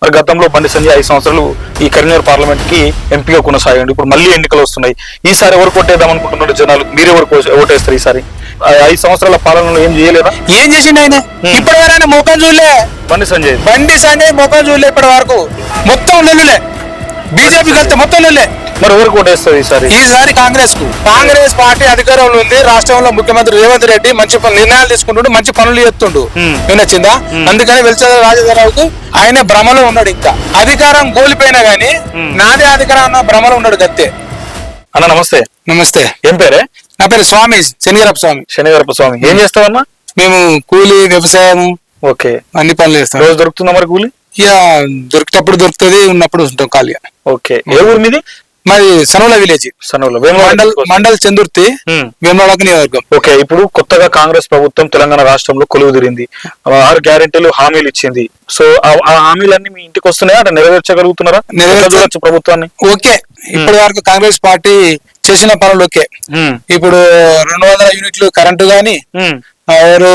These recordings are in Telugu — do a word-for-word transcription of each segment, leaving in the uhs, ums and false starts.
మరి గతంలో బండి సంజయ్ ఐదు సంవత్సరాలు ఈ కరీంనగర్ పార్లమెంట్ కి ఎంపీగా కొనసాగండి. ఇప్పుడు మళ్ళీ ఎన్నికలు వస్తున్నాయి. ఈసారి ఎవరు కొట్టేద్దాం అనుకుంటున్నారు జనాలు? మీరు ఎవరు ఓటేస్తారు ఈసారి? ఐదు సంవత్సరాల పాలనలో ఏం చేయలేదా? ఏం చేసిండు ఆయన? ఇప్పటి వరకు ఆయన ముఖం చూడలే. బండి సంజయ్ బండి సంజయ్ ముఖం చూడలే ఇప్పటి వరకు. మొత్తం లొల్లులే. బీజేపీ కలిస్తే మొత్తం లొల్లే. మరి ఎవరు కొట్టేస్తారు ఈసారి? ఈసారి కాంగ్రెస్ కు. కాంగ్రెస్ పార్టీ అధికారంలో ఉంది. రాష్ట్రంలో ముఖ్యమంత్రి రేవంత్ రెడ్డి మంచి నిర్ణయాలు తీసుకుంటుండు, మంచి పనులు చేస్తుండు. వినొచ్చిందా? అందుకని వెలిచల రాజధారావుకు ఆయన భ్రమలో ఉన్నాడు. ఇంకా అధికారం కోల్పోయినా గానీ నాదే అధికారం అన్న భ్రమలో ఉన్నాడు గత్తే. అన్న నమస్తే. నమస్తే. ఏం పేరే? నా పేరు స్వామి, శనిగరప్ప స్వామి. శనిగరప్ప స్వామి. ఏం చేస్తావన్నా? మేము కూలి, వ్యవసాయం, ఓకే, అన్ని పనులు చేస్తాం. రోజు దొరుకుతుందా మరి కూలి? ఇక దొరికేటప్పుడు దొరుకుతుంది, ఉన్నప్పుడు ఉంటాం ఖాళీగా. ఓకే. ఏ ఊరు మీది? మరి సనోల విలేజ్, సనోల మండల్ మండల్ చందుర్తి, వేములవాడ నియోజకవర్గం. ఓకే. ఇప్పుడు కొత్తగా కాంగ్రెస్ ప్రభుత్వం తెలంగాణ రాష్ట్రంలో కొలువు తీరింది. ఆరు గ్యారెంటీలు హామీలు ఇచ్చింది. సో ఆ హామీలన్నీ మీ ఇంటికి వస్తున్నాయా? అంటే నెరవేర్చగలుగుతున్నారా? నెరవేర్చవచ్చు ప్రభుత్వాన్ని? ఓకే. ఇప్పటి వరకు కాంగ్రెస్ పార్టీ చేసిన పనులు ఓకే. ఇప్పుడు రెండు వందల యూనిట్లు కరెంటు గాని, ఆరు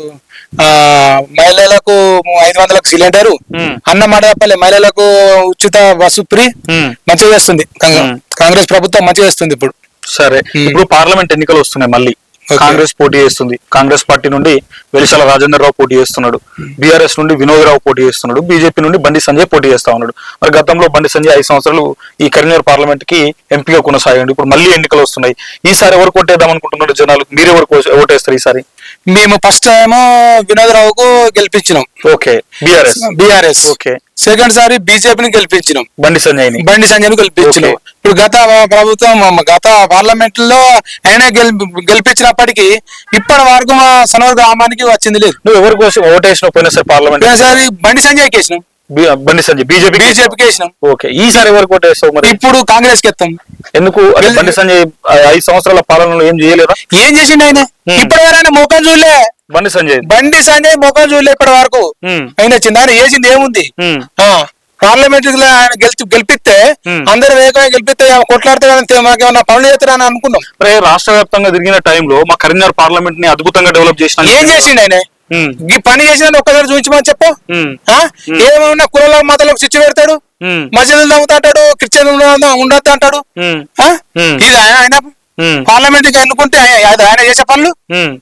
మహిళలకు ఐదు వందలకు సిలిండరు, అన్న మాటపల్లి మహిళలకు ఉచిత బస్సు ఫ్రీ మంచిగా చేస్తుంది కాంగ్రెస్ ప్రభుత్వం. మంచిగా చేస్తుంది ఇప్పుడు. సరే, ఇప్పుడు పార్లమెంట్ ఎన్నికలు వస్తున్నాయి. మళ్ళీ కాంగ్రెస్ పోటీ చేస్తుంది. కాంగ్రెస్ పార్టీ నుండి వెలిశాల రాజేందర్ రావు పోటీ చేస్తున్నాడు. బీఆర్ఎస్ నుండి వినోద్ రావు పోటీ చేస్తున్నాడు. బీజేపీ నుండి బండి సంజయ్ పోటీ చేస్తా ఉన్నాడు. మరి గతంలో బండి సంజయ్ ఐదు సంవత్సరాలు ఈ కరీంనగర్ పార్లమెంట్ కి ఎంపీగా కొనసాగండి. ఇప్పుడు మళ్ళీ ఎన్నికలు వస్తున్నాయి. ఈసారి ఎవరు కొట్టేద్దాం అనుకుంటున్నారు జనాలు? మీరు ఎవరు ఓటేస్తారు ఈసారి? మేము ఫస్ట్ టైం వినోద్ రావుకు గెలిపించినాం. Okay. BRS BRS okay. Second సారి బీజేపీని గెలిపించినాం. బండి సంజయ్ బండి సంజయ్ గెలిపించినాం. ఇప్పుడు గత ప్రభుత్వం గత పార్లమెంట్ లో ఆయన గెలిపించినప్పటికీ ఇప్పటి వరకు మా సనోర్ గ్రామానికి వచ్చింది లేదు. నువ్వు ఎవరి కోసం ఓటేసినావు పోయినా సార్ పార్లమెంట్? పోయినసారి బండి సంజయ్ కేసినాం. బండి సంజయ్ బీజేపీ బీజేపీకి వేసినాం. ఓకే. ఈసారి ఎవరికి ఓటేస్తావు మరి? ఇప్పుడు కాంగ్రెస్ కి ఎత్తాం. ఎందుకు? బండి సంజయ్ ఐదు సంవత్సరాల పాలనలో ఏం చేయలేదా? ఏం చేసిండు ఆయన? ఇప్పటి వరకు ఆయన ముఖం చూడలే. బండి సంజయ్ బండి సంజయ్ ముఖం చూడలే ఇప్పటి వరకు. ఆయన వచ్చింది, ఆయన వేసింది ఏముంది? పార్లమెంట్ ఆయన గెలిచి గెలిపిస్తే అందరు వేగంగా గెలిపిస్తే కొట్లాడితే మాకేమన్నా పనులు చేస్తారని అనుకున్నాం. రాష్ట్ర వ్యాప్తంగా తిరిగిన టైంలో మా కరీంనగర్ పార్లమెంట్ ని అద్భుతంగా డెవలప్ చేసిన ఏం చేసిండు ఆయన? ఈ పని చేసిన ఒక్కసారి చూపించమని చెప్పు. ఏమన్నా కుల మతాలకు చిచ్చు పెడతాడు, మసీదులు తగ్గుతాడు, క్రిస్టియన్ ఉండద్దు అంటాడు. ఇది ఆయన ఆయన పార్లమెంట్ కి అనుకుంటే ఆయన చేసే పనులు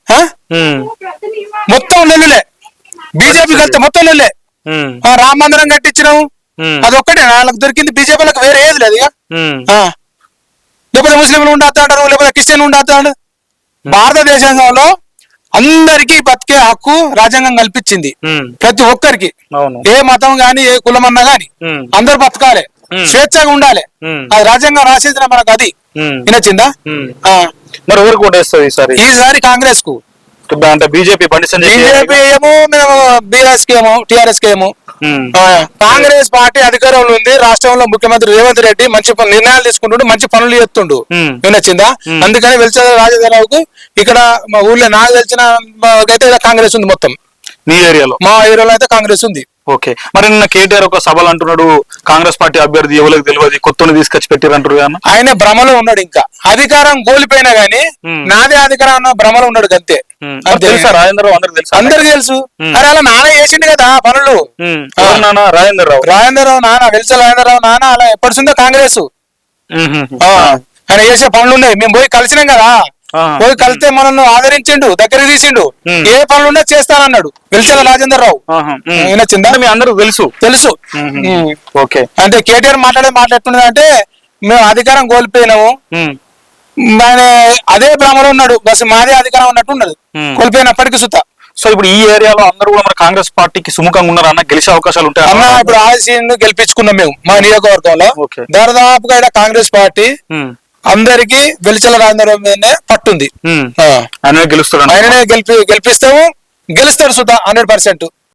మొత్తం లొల్లులే. బీజేపీ కలిస్తే మొత్తం లొల్లే. రామ మందిరం కట్టించినాము, అదొక్కటే వాళ్ళకి దొరికింది. బీజేపీలకు వేరే ఏది లేదు. ఇక లేకపోతే ముస్లింలు ఉండద్దు అంటారు, లేకపోతే క్రిస్టియన్ ఉండద్దు అంటారు. భారతదేశంలో అందరికీ బతికే హక్కు రాజ్యాంగం కల్పించింది ప్రతి ఒక్కరికి. ఏ మతం గాని ఏ కులం అన్నా గాని అందరు బతకాలి, స్వేచ్ఛగా ఉండాలి. అది రాజ్యాంగం రాసేసిన మనకు. అది వినొచ్చిందా? మరి ఎవరికి ఓటేస్తుంది ఈసారి? ఈసారి కాంగ్రెస్ కు. అంటే బీజేపీ బండి సంజయ్ బీజేపీ ఏమో, మేము బీఆర్ఎస్ కి ఏమో, టిఆర్ఎస్ కి ఏమో. కాంగ్రెస్ పార్టీ అధికారంలో ఉంది. రాష్ట్రంలో ముఖ్యమంత్రి రేవంత్ రెడ్డి మంచి నిర్ణయాలు తీసుకుంటుండు, మంచి పనులు చేస్తుండు. వినొచ్చిందా? అందుకని వెలిచల రాజధారావుకు ఇక్కడ మా ఊర్లో నాకు తెలిసిన అయితే కాంగ్రెస్ ఉంది మొత్తం. మీ ఏరియాలో? మా ఏరియాలో అయితే కాంగ్రెస్ ఉంది. ఓకే. మరి నిన్న కేటీఆర్ ఒక సభలు అంటున్నాడు, కాంగ్రెస్ పార్టీ అభ్యర్థి ఎవరికి తెలియదు, కొత్తని తీసుకొచ్చి పెట్టారంటారు. ఆయన భ్రమలో ఉన్నాడు. ఇంకా అధికారం కోల్పోయినా గానీ నాదే అధికారం అన్న భ్రమలో ఉన్నాడు అంతే. తెలుసా రాజేంద్ర రావు? అందరికి తెలుసు. అందరికి తెలుసు. అరే అలా నాన్న చేసిండు కదా పనులు. నాన్న రాజేంద్ర రావు రాజేంద్ర రావు నాన్న వెలిస రాజేంద్ర రావు నాన్న అలా ఎప్పటిసిందో కాంగ్రెస్ ఆయన చేసే పనులు ఉన్నాయి. మేము పోయి కలిసినాం కదా, పోయి కలిస్తే మనల్ని ఆదరించిండు, దగ్గర తీసిండు. ఏ పనులున్నా చేస్తానన్నాడు వెలిసల రాజేందర్ రావు. వినొచ్చిందా? మీ అందరూ తెలుసు తెలుసు ఓకే. అంటే కేటీఆర్ మాట్లాడే మాట్లాడుతున్నది అంటే మేము అధికారం కోల్పోయినాము, ఆయన అదే భ్రమలో ఉన్నాడు. బస్ మాదే అధికారం ఉన్నట్టు ఉన్నది కోల్పోయినప్పటికీ సుత. సో ఇప్పుడు ఈ ఏరియాలో అందరూ కూడా మన కాంగ్రెస్ పార్టీకి సుముఖంగా ఉన్నారు అన్న, గెలిచే అవకాశాలు ఉంటాయి అన్న. ఇప్పుడు ఆశీని గెలిపించుకున్నాం మేము మా నియోజకవర్గంలో. దాదాపుగా ఇక్కడ కాంగ్రెస్ పార్టీ అందరికి వెలిచల రాజేంద్ర మీదనే పట్టుంది. ఆయననే గెలుస్తాడు, ఆయననే గెలిపి గెలిపిస్తాము, గెలుస్తాడు సుధా హండ్రెడ్ పర్సెంట్.